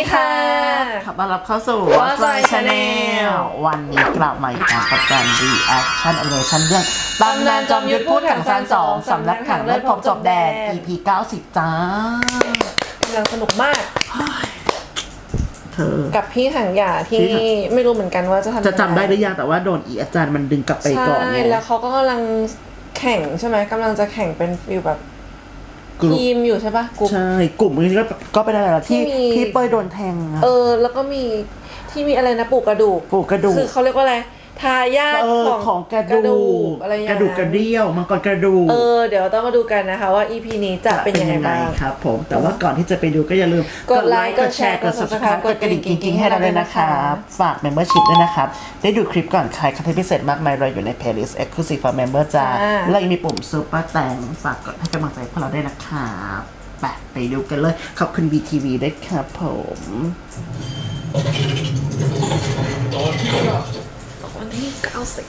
ค่ะขอต้อนรับเข้าสู่ Watch My Channel วันนี้กลับมาอีกครั้งกับการ reaction animation เรื่องตำนานจอมยุทธพูดถังซาน2สำนักถังเลือดพบจบแดน EP 90 จ้ากำลังสนุกมากเธอกับพี่ถังหยาที่ไม่รู้เหมือนกันว่าจะทำจะจำได้หรือยังแต่ว่าโดนอาจารย์มันดึงกลับไปก่อนใช่แล้วเขาก็กำลังแข่งใช่ไหมกำลังจะแข่งเป็นฟิลแบบทีมอยู่ใช่ปะใช่กลุ่มนี้ก็ไปได้แล้วที่เป้ยโดนแทงแล้วก็มีที่มีอะไรนะปลูกกระดูกคือเขาเรียกว่าอะไรทายาทของกระดูกอะไรอย่างเงี้ยกระดูกกระเดี่ยวมังกรกระดูกเดี๋ยวต้องมาดูกันนะคะว่า EP นี้จะเป็นยังไงบ้างครับผมแต่ว่าก่อนที่จะไปดูก็อย่าลืมกดไลค์กดแชร์กด Subscribe กดกระดิ่งกิ๊งๆให้เราด้วยนะครับฝาก Membership ด้วยนะครับได้ดูคลิปก่อนใครคอนเทนต์พิเศษมากมายรออยู่ใน Playlist Exclusive for Member จ้าและยังมีปุ่ม Super แต่งฝากกดให้กำลังใจพวกเราด้วยนะครับไปดูกันเลยขอบคุณ VTV ด้วยครับผมวันที่90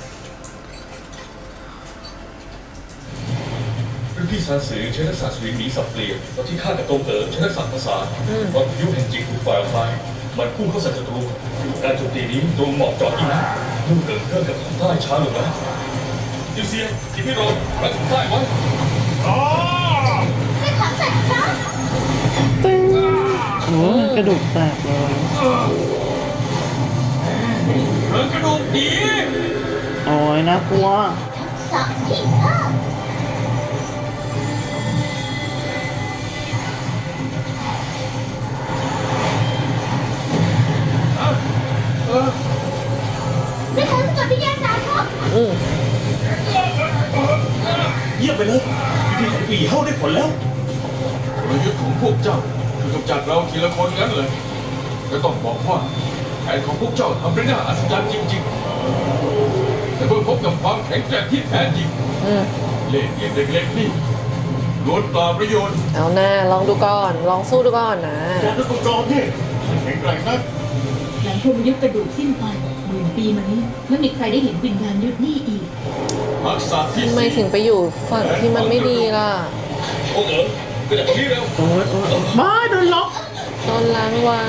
รุ่นพี่ซานสือใช้ทักษะสวิงหนีสับเปลี่ยนตอนที่ข้ากับตรงเอ๋อใช้ทักษะภาษาตอนยุคแห่งจิตถูกฝ่ายออกไปมันพุ่งเข้าใส่ศัตรูการโจมตีนี้ตรงเหมาะเจาะยิ่งนักลูกเอ๋อเริ่มกับทางใต้ช้าลงแล้วจิวเซียที่พี่โรนรักทางใต้ไว้ไม่ขอใส่ครับตึ้งโอ้กระดูกแตกเลยเรื่องกระดูกดีโอ้ยน่ากลัวสามที่ห้าไม่ทันสกัดวิญญาณสามครับเยี่ยมไปเลยวิธีของปีเข้าได้ผลแล้วกลยุทธ์ของพวกเจ้าคือกำจัดเราทีละคนงั้นเลยก็ต้องบอกว่าแผนของพวกเจ้าทำได้น่าอัศจรรย์จริงๆแต่เมื่อพบกับความแข็งแกร่งที่แท้จริงเล่ห์เหลี่ยมเล็กๆนี่ล้วนเปล่าประโยชน์เอาหน้าลองดูก่อนลองสู้ดูก่อนนะจากนักจอมนี่แข็งแกร่งนักหลังพรหมยุทธกระดูกสิ้นไป10,000 ปีมานี้ไม่มีใครได้เห็นวิญญาณยุทธนี่อีกทักษะที่ทำไมถึงไปอยู่ฝั่งที่มันไม่ดีล่ะโอ้เอ๋อก็อย่างนี้แล้วโอ้ยบ้าโดนล็อกโดนล้างไว้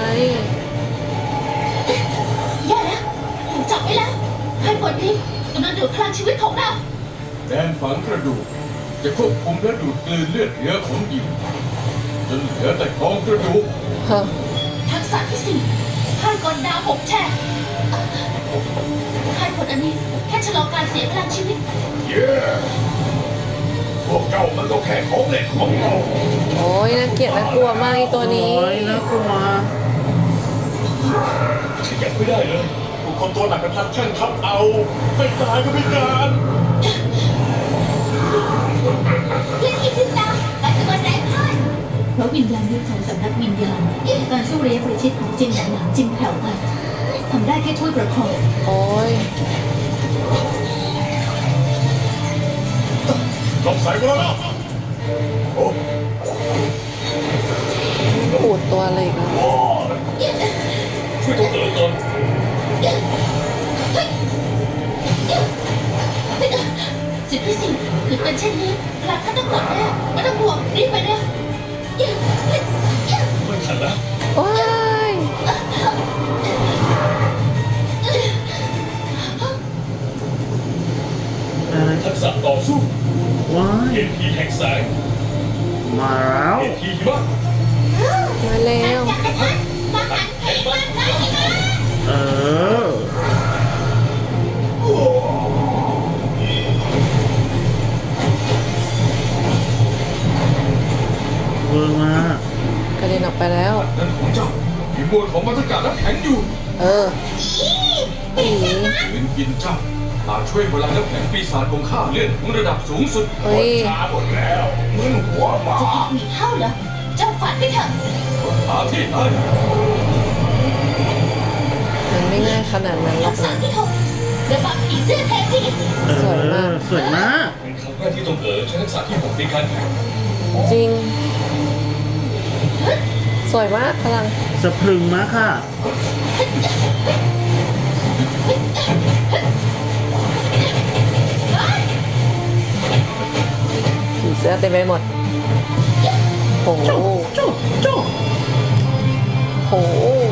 แย่แล้วถูกจับไว้แล้วให้ผลนี้กำลังดูดพลังชีวิตของเราแดนฝังกระดูกจะควบคุมและดูดกลืนเลือดเหลือของหญิงจนเหลือแต่กองกระดูกทักษะที่4ให้กลดาว6 แฉกให้ผลอันนี้แค่ชะลอการเสียพลังชีวิตพวกเจ้ามันก็แค่ของเล่นของเราโอ้ยน่าเกลียดน่ากลัวมากไอ้ตัวนี้โอ้ยน่ากลัวฉันยังไม่ได้เลยผู้คนตัวหนักเป็นพันช่างทับเอาไม่ตายก็ไม่การเล่นอีก10 ดาวแต่จะมาแรงขึ้นเพราะวิญญาณยุทธของสำนักวิญญาณการสู้ระยะประชิดของจินหนางจินแผ่วไปทำได้แค่ช่วยประคองโอ้ยลองใส่มาแล้วโอ้ปูดตัวอะไรกันช่วยตัวเอ๋อก่อนสิบที่4คือเป็นเช่นนี้พลังข้าต้องกดแน่ไม่ต้องห่วงรีบไปเร็วไม่ทันแล้วว้ายทักษะต่อสู้ว้ายเห็นผีแห่งแสงมาแล้วเห็นผีหิมะมาแล้วมาหันเพลงมากเลยนะเวอร์มากกระเด็นออกไปแล้วนั่นของเจ้ามีมวลของบรรยากาศน้ำแข็งอยู่ผียืนกินเจ้าหากช่วยพลังน้ำแข็งปีศาจของข้าเลื่อนถึงระดับสูงสุดช้าหมดแล้วมึงหัวหมาจะอีกหวีเท่าเหรอเจ้าฝันไปเถอะหาที่ไหนมันไม่ง่ายขนาดนั้นหรอกนะระบำผีเสื้อแทนที่สวยมากสวยมากเป็นครั้งแรกที่ตรงเอ๋อใช้ทักษะที่6ในการแข่งจริงสวยมากพลังสะพรึงมากค่ะผีเสื้อเต็มไปหมดโหโห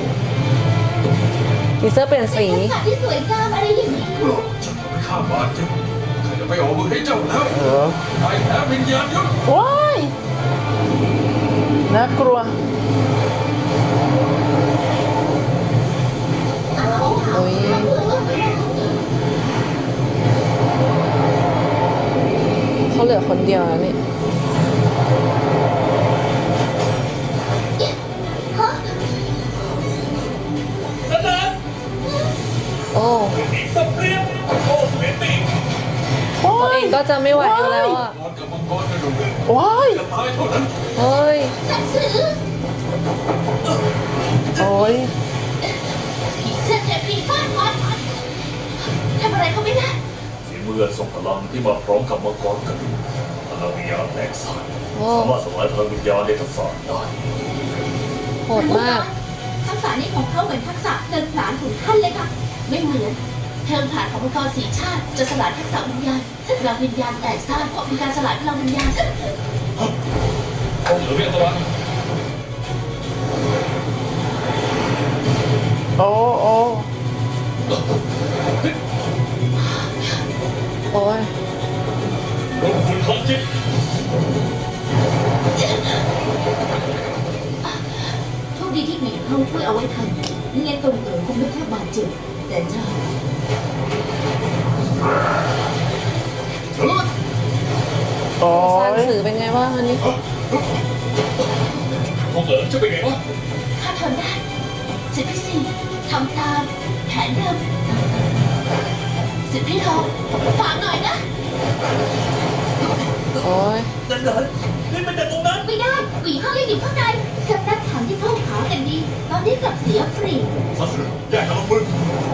ผีเสื้อเปลี่ยนสีทักษะที่สวยงามอะไรอย่างนี้จะทำให้ข้าบาดเจ็บข้าจะไปออกมือให้เจ้าแล้วเออไอ้แพ้วิญญาณยุทธว้ายน่ากลัวโอ้ยเขาเหลือคนเดียวแล้วนี่นั่นนะโอ้อีกสักเรียบโอ้สเปนติตัวเองก็จะไม่ไหวอยู่แล้วอ่ะนอนกับมังกรกระดูกว้ายจะตายเท่านั้นเฮ้ยสัตว์สื่อโอ้ยผีเสื้อเทพีฟาดฟันทำอะไรเขาไม่ได้ฝีมือทรงพลังที่มาพร้อมกับมังกรกระดูกพลังวิญญาณแตกสานโอ้สามารถสลายพลังวิญญาณในทักษะได้โหดมากทักษะนี้ของเขาเหมือนทักษะเดินผลานของท่านเลยค่ะ ไม่เหมือนเทิงผลานของมังกรสีชาติจะสลายทักษะวิญญาณถ้าพลังวิญญาณแตกซ่านเพราะมีการสลายพลังวิญญาณองค์เหลือเรียกตะวันโอ้โอ้โอ้ยลงคุณทองจิตโชคดีที่หมีเข้าช่วยเอาไว้ทันไม่งั้นตรงเอ๋อคงไม่แค่บาดเจ็บแต่เจ้าโอ้ซานยสื่อเป็นไงบ้างอันนี้องค์เหลือจะเป็นไงวะข้าทนได้สิทธิสี่ทำตามแผนเดิมสิทธิทองฝากหน่อยนะโอ้ยนั่นเหรอนี่มันจากตรงนั้นไม่ได้หวีห้องยังอยู่ข้างในสำนักถังที่เข้าหากันดี ตอนนี้กลับเสียฟรีสัสแยกกันลงมือ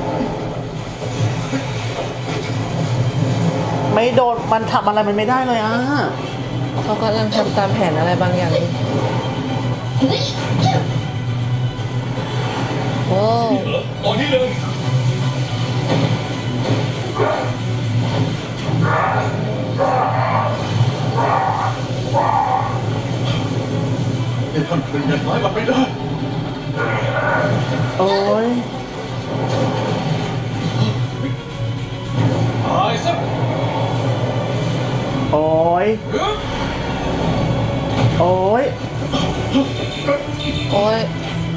ไม่โดนมันทำอะไรมันไม่ได้เลยอ่ะเขากำลังทำตามแผนอะไรบางอย่างอยู่เฮ้ยโอ้เหรอตอนนี้เลยให้ท่านคืนเงินน้อยมันไม่ได้โอ้ยตายซะโอ้ยเฮ้ยโอ้ยโอ้ย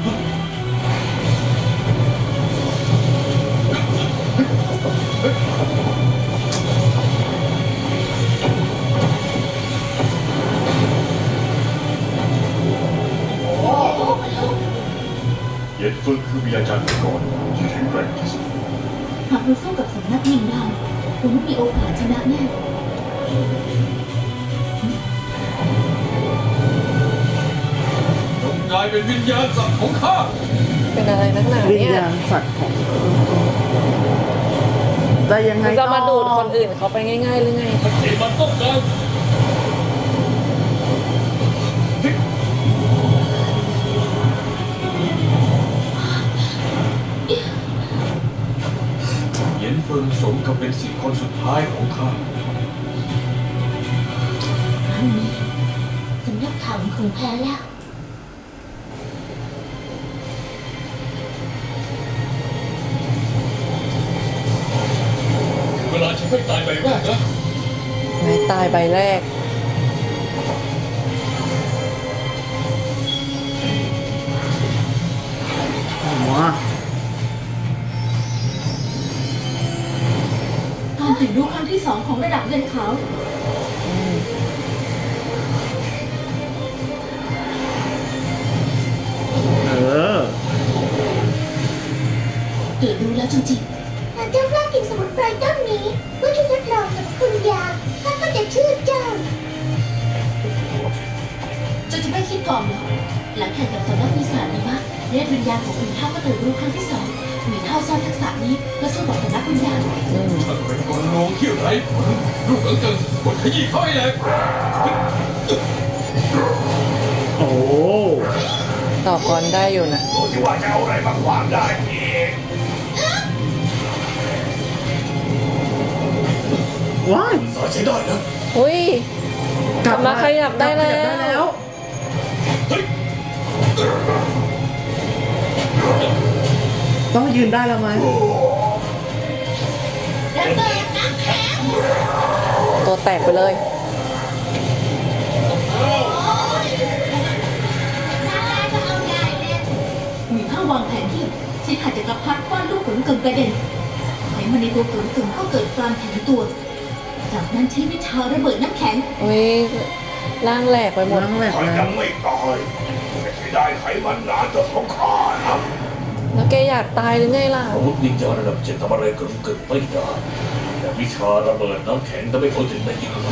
เย็นฟื้นคือวิญญาณมังกรที่แข็งแกร่งที่สุดหากเราสู้กับสำนักวิญญาณคงไม่มีโอกาสชนะแน่จงกลายเป็นวิญญาณสัตว์ของข้าเป็นอะไรนักหนาวิญเนี่ยญาณสัตว์ของจะยังไงมันจะมาต่อดูดคนอื่นเขาไปง่ายๆหรือไงที่มันต้องการเหย็นเฟิงสมกับเป็นสี่คนสุดท้ายของข้าครั้งนี้สำนักถังคงแพ้แล้วเวลาฉันไม่ตายใบแรกนะไม่ตายใบแรกหัวการถึงรู้ครั้งที่2ของระดับเงินขาวเออเกิดรู้แล้วจริงๆหากเจ้ากล้ากินสมุนไพรต้นนี้เพื่อที่ทดลองสรรพคุณยาข้าก็จะเชื่อเจ้าเจ้าจะไม่คิดก่อนเหรอหลังแข่งกับสำนักวิสานีมะเรียกวิญญาณของหมีเท่าก็ตื่นรู้ครั้งที่2หมีเท่าซ่อนทักษะนี้เพื่อสู้กับสำนักวิญญาณท่านเป็นคนโง่เขี้ยวไร้ผลลูกเอิงเกิงกดขยี้เขาให้แหลกโอ้ต่อกรได้อยู่นะดูที่ว่าจะเอาอะไรมาขวางได้อีกว้ายสายใช้ได้นะอุ้ย กลับมาขยับได้แล้วขยับได้แล้วเฮ้ยตต้องยืนได้แล้วไหมระเบิดน้ำแข็งตัวแตกไปเลยน่าจะเอาใหญ่เลยมีข้าวางแผนที่ใช้ขัดจักรพรรดิฟาดลูกขุนกึ่งกระเด็นไขมันในตัวขุนกึ่งก็เกิดการแข็งตัว จากนั้นใช้วิชาระเบิดน้ำแข็งอุ้ยร่างแหลกไปหมดนั่งแหลกข้าแล้ยัวงไม่ตายแต่เสียดายไขมันหนาตัวของข้านะแล้วแกอยากตายหรือไงล่ะอาวุธวิญญาณระดับ7ทำอะไรเกินไม่ได้แต่วิชาระเบิดน้ำแข็งทำให้เขาถึงได้ยังไง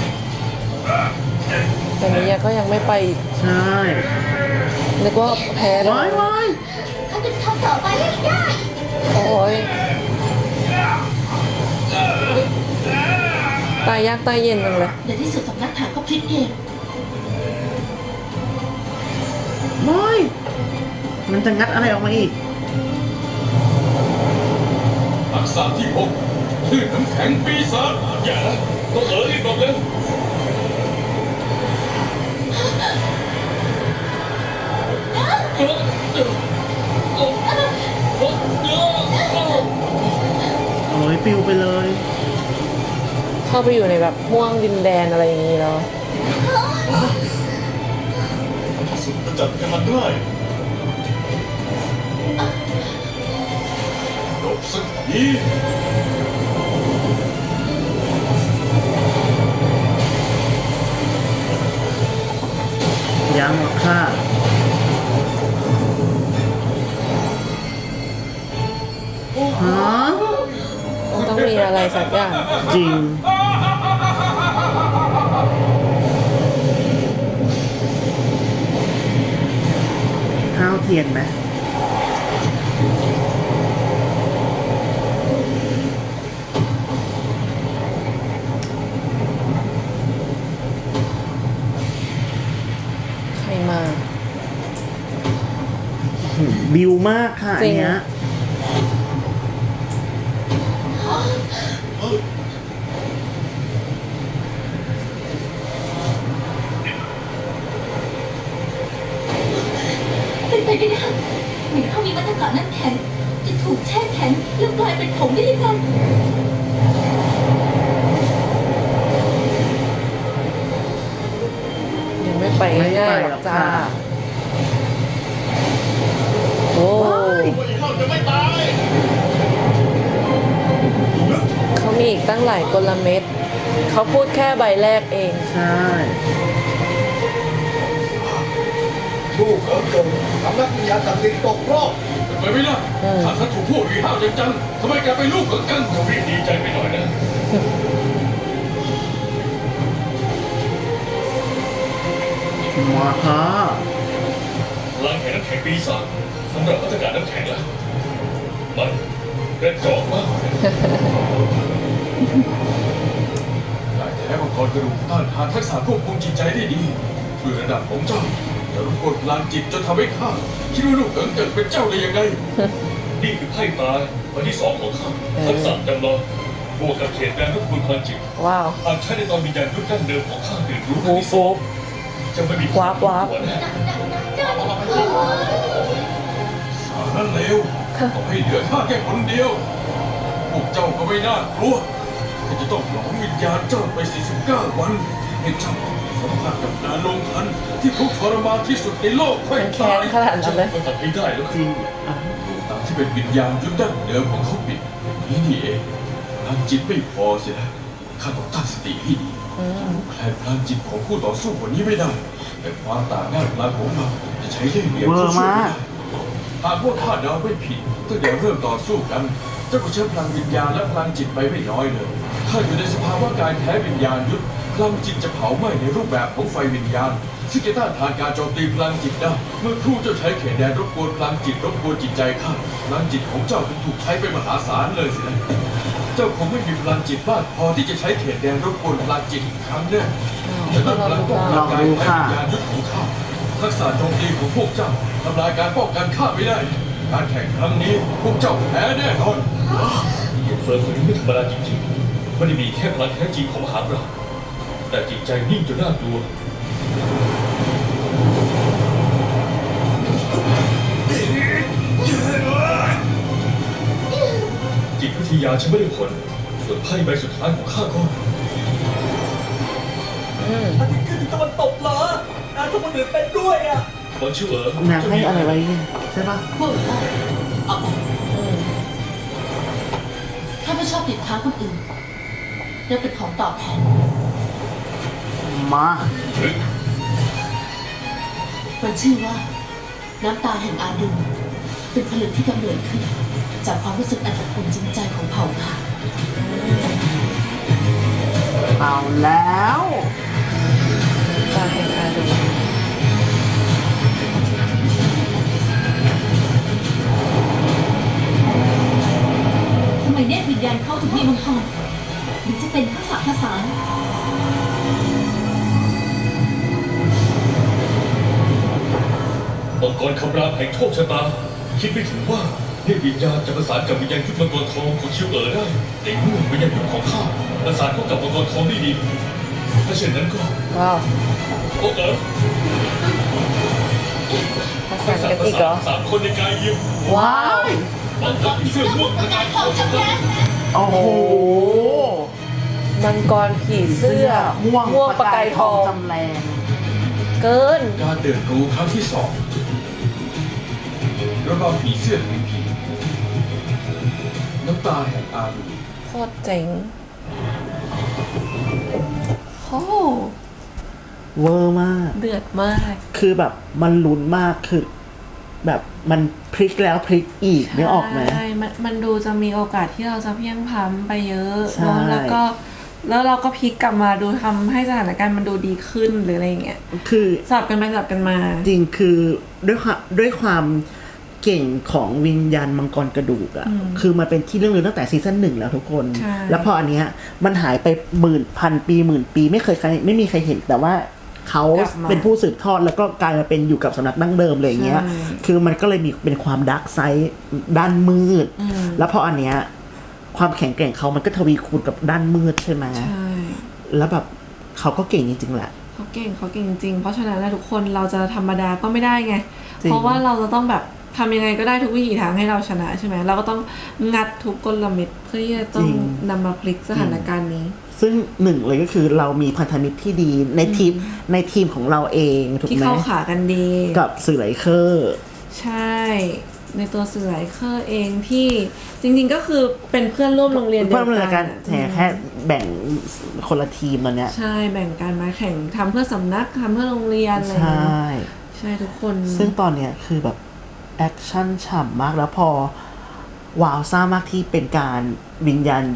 แต่นี้ก็ยังไม่ไปอีกใช่นึกว่าแพ้แล้วว้ายว้ายเขาจะทำต่อไปไม่ได้โอ้ยตายยากตายเย็นจังเลยในที่สุดสำนักข่าวก็พลิกเกมว้ายมันจะงัดอะไรออกมาอีกทักษะที่6คลื่นน้ำแข็งปีศาจอย่านะต้องรีบบอกเร็วโอ้ยปิวไปเลยเข้าไปอยู่ในแบบห่วงดินแดนอะไรอย่างนี้แล้วสุดจะจัดการได้จบสักทียังหรอกค่ะ ฮะต้องมีอะไรสักอย่างจริง ข้าวเทียนไหมใครมาบิวมากค่ะอันเนี้ยเป็นไปไม่ได้มีเขามีมาตรการน้ำแข็งจะถูกแช่แข็งแล้วกลายเป็นผงได้ยังไงยังไม่ไปง่ายๆหรอกจ้า โอ้เราจะไม่ตายเขามีอีกตั้งหลายกลเม็ด เขาพูดแค่ใบแรกเองใช่ลูกเอ๋อเกิดสำนักวิญญาณศักดิ์สิทธิ์ตกรอบไปไม่ได้ข้าสัตว์ถูกพวกวีห้าวจังๆทำไมแกไปลูกกับกันจะรีบดีใจไปหน่อยนะมาค่ะพลังแห่งน้ำแข็งปีศาจสำหรับมาตรการน้ำแข็งแล้วมันเร็ดจอกมากได้แท้มังกรกระดูกต้านทานทักษะควบคุมจิตใจได้ดีด้วยระดับของเจ้าจะรบกวนพลังจิตจนทำให้ข้าคิดว่าลูกเอ๋อเกิดเป็นเจ้าได้ยังไงนี่คือไพ่ตายวันที่2ของข้าทักษะจำลองบวกกับเขตแดนรบกวนพลังจิตว้าวหากใช้ในตอนวิญญาณยุคดั้งเดิมของข้าตื่นรู้ฟูฟูจะไม่มีวาบวาบหัแน่สารนั้นเลวต้องให้เหลือข้าแค่คนเดียว พวกเจ้าก็ไม่น่ากลัวข้าจะต้องหลอมวิญญาณเจ้าไป49 วันให้เจ้าสัมผัสกับการลงทันที่ทุกข์ทรมานที่สุดในโลกค่อยมันแค้ตาน ยขนาดนั้นเลยก็ทำให้ได้แล้วจริงอ่ะตามที่เป็นวิญญาณยุคดั้งเดิมของเขาปิดนี่เองพลังจิตไม่พอเสียแล้วข้าต้องตั้งสติให้ดีแคลนพลังจิตของผู้ต่อสู้คนนี้ไม่ได้ แต่ความต่างด้านพลังของเราจะใช้ได้เหลี่ยมเวอช่วยร์ไม่มากได้หากว่าข้าเดาไม่ผิดตั้งแต่เริ่มต่อสู้กัน เจ้าก็ใช้พลังวิญญาณและพลังจิตไปไม่น้อยเลยข้าอยู่ในสภาวะการแพ้วิญญาณยุทธพลังจิตจะเผาไหม้ในรูปแบบของไฟวิญญาณซึ่งจะต้านทานการโจมตีพลังจิตได้เมื่อครู่เจ้าใช้เขตแดนรบกวนพลังจิตรบกวนจิตใจข้าพลังจิตของเจ้าจึงถูกใช้ไปมหาศาลเลยสินะเจ้าคงไม่มีพลังจิตมากพอที่จะใช้เขตแดนรบกวนพลังจิตอีกครั้งแน่แต่ด้วยพลังป้องกันการแพ้วิญญาณยุทธของข้าทักษะโจมตีของพวกเจ้าทำลายการป้องกันข้าไม่ได้ การแข่งครั้งนี้พวกเจ้าแพ้แน่นอนหยุดเฟิร์นคนนี้ไม่ธรรมดาจริงๆไม่ได้มีแค่พลังแท้จริงของมหาปราชญ์แต่จิตใจนิ่งจนน่ากลัวพที่ยาฉันไม่ได้ผลส่วนไพ่ใบสุดท้ายของข้าก็อาทิตย์ขึ้นตะวันตกเหรอทุกคนอื่นเป็นด้วยอ่ะบอลชื่อเอ๋อนางให้อะไรไว้เนี่ยใช่ปะพวกเราเอาไปถ้าไม่ชอบติดค้างคนอื่นจะเป็นของตอบแทนมามันชื่อว่าน้ำตาแห่งอาดูเป็นผลึกที่กำเนิดขึ้น จากความรู้สึกอันอบอุ่นจริงใจของเผ่าค่ะเอาแล้วตาแห่งอาดูทำไมเนตรวิญญาณเข้าถึงมีมังกรหรือจะเป็นทักษะภาษานมังกรคำรามแห่งโชคชะตาคิดไม่ถึงว่าเทพวิญญาณจะประสานกับวิญญาณยุทธมังกรทองของชิวเอ๋อได้ในเมื่อวิญญาณยุทธของข้าประสานเข้ากับมังกรทองได้ดีถ้าเช่นนั้นก็ว้าวโอ้เอ๋อประสานกันอีกเหรอสามคนในกายยิมว้าวมังกรผีเสื้อม่วงประกายทองจำแรงโอ้โหมังกรผีเสื้อม่วงประกายทองจำแรงเกินการเดินรู้ครั้งที่2ระบำผีเสื้อแห่งผีน้ำตาแห่งอาดูโคตรเจ๋งโอ้เวอร์มากเดือดมากคือแบบมันลุ้นมากคือแบบมันพลิกแล้วพลิกอีกนึกออกไหมใช่มันดูจะมีโอกาสที่เราจะเพียงพล้ำไปเยอะใช่เนอะแล้วเราก็พลิกกลับมาดูทำให้สถานการณ์มันดูดีขึ้นหรืออะไรอย่างเงี้ยคือสลับกันไปสลับกันมาจริงคือด้วยความเก่งของวิญญาณมังกรกระดูกอะคือมันเป็นที่เรื่องลือตั้งแต่ซีซั่น 1แล้วทุกคนใช่แล้วพออันเนี้ยมันหายไปหมื่นปีไม่มีใครเห็นแต่ว่าเขาเป็นผู้สืบทอดแล้วก็กลายมาเป็นอยู่กับสำนักดั้งเดิมอะไรอย่างเงี้ย คือมันก็เลยมีเป็นความดาร์กไซด์ด้านมืด แล้วพออันเนี้ยความแข็งแกร่งเขามันก็ทวีคูณกับด้านมืดใช่ไหมใช่แล้วแบบเขาก็เก่งจริงๆแหละเขาเก่งจริงเพราะฉะนั้นแล้วทุกคนเราจะธรรมดาก็ไม่ได้ไงจริงเพราะว่าเราจะต้องแบบทำยังไงก็ได้ทุกวิถีทางให้เราชนะใช่ไหมเราก็ต้องงัดทุกกลเม็ดเพื่อที่จะต้องนำมาพลิกสถานการณ์นี้ซึ่งหนึ่งเลยก็คือเรามีพันธมิตรที่ดีในทีมของเราเองถูกที่ไหมเข้าขากันดีกับสื่อไหลเคอร์ใช่ ในตัวสื่อไลเคอร์เองที่จริงๆก็คือเป็นเพื่อนร่วมโรงเรียนเดียวเพื่อนร่วมกักันนแค่แบ่งคนละทีมตอนเนี้ยใช่แบ่งกันมาแข่งทำเพื่อสำนักทำเพื่อโรงเรียนอะไรอใชย่างเงี้่ยใช่ทุกคนซึ่งตอนเนี้ยคือแบบแอคชั่นฉ่ำมากแล้วพอว้าวซ่ามากที่เป็นการวิญญาณ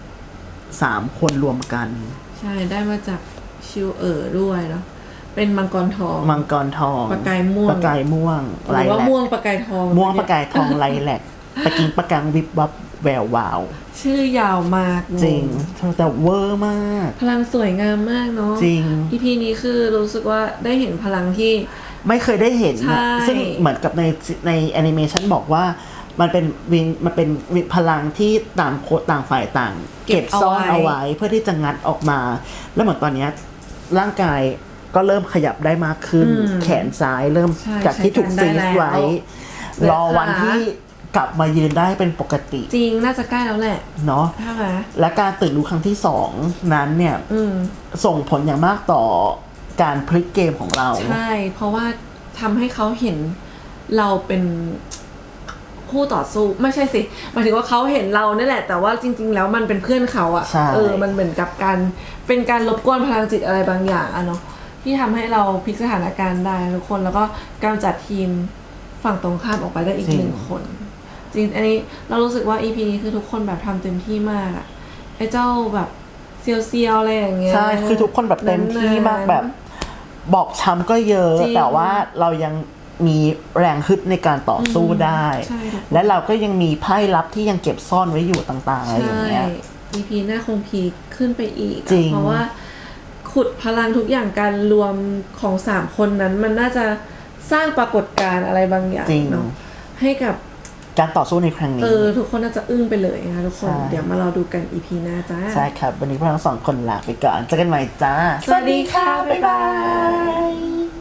3 คนรวมกันใช่ได้มาจากชิวด้วยเนาะเป็นมังกรทองมังกรทองประกายม่วงประกายม่วงหรือว่าแลกม่วงประกายทองม่วงประกายทองไลแลกตะกิงประกังวิบวับแวววาวชื่อยาวมากจริงแต่เวอร์มากพลังสวยงามมากเนาะจริง EP นี้คือรู้สึกว่าได้เห็นพลังที่ไม่เคยได้เห็นใช่นะซึ่งเหมือนกับในแอนิเมชันบอกว่ามันเป็นพลังที่ต่างฝ่ายต่าง เก็บซ่อนเอาไว้เพื่อที่จะงัดออกมา แล้วเหมือนตอนเนี้ยร่างกายก็เริ่มขยับได้มากขึ้น แขนซ้ายเริ่มใช่จากที่ถูกใช้ฟการได้รีซไว้แล้วรอวันที่กลับมายืนได้เป็นปกติจริงน่าจะใกล้แล้วแหละเนาะใช่ไหมและการตื่นรู้ครั้งที่2นั้นเนี่ย ส่งผลอย่างมากต่อการพลิกเกมของเราใช่ เพราะว่าทำให้เขาเห็นเราเป็นคู่ต่อสู้ไม่ใช่สิหมายถึงว่าเขาเห็นเราเนี่ยแหละ แต่ว่าจริง ๆ แล้วมันเป็นเพื่อนเขาอะใช่มันเหมือนกับการเป็นการรบกวนพลังจิตอะไรบางอย่างอะเนาะที่ทำให้เราพลิกสถานการณ์ได้ทุกคนแล้วก็กำจัดทีมฝั่งตรงข้ามออกไปได้อีก1 คน จริงอันนี้เรารู้สึกว่า EP นี้คือทุกคนแบบทำเต็มที่มากอะไอ้เจ้าแบบเซียวๆอะไรอย่างเงี้ยใช่คือทุกคนแบบเต็มที่มากแบบ บอกช้ำก็เยอะจริงแต่ว่าเรายังมีแรงฮึดในการต่อสู้ได้ใช่ทุกคนและเราก็ยังมีไพ่ลับที่ยังเก็บซ่อนไว้อยู่ต่างๆอะไรอย่างเงี้ย EP หน้าคงพีคขึ้นไปอีกจริงเพราะว่าขุดพลังทุกอย่างการรวมของ3 คนนั้น มันน่าจะสร้างปรากฏการณ์อะไรบางอย่างจริงเนาะให้กับการต่อสู้ในครั้งนี้ทุกคนน่าจะอึ้งไปเลยนะคะทุกคนใช่เดี๋ยวมารอดูกัน EP หน้าจ้าใช่ครับ วันนี้พวกเราทั้ง2 คนลาไปก่อนเจอกันใหม่จ้าสวัสดีค่ะ บ๊ายบาย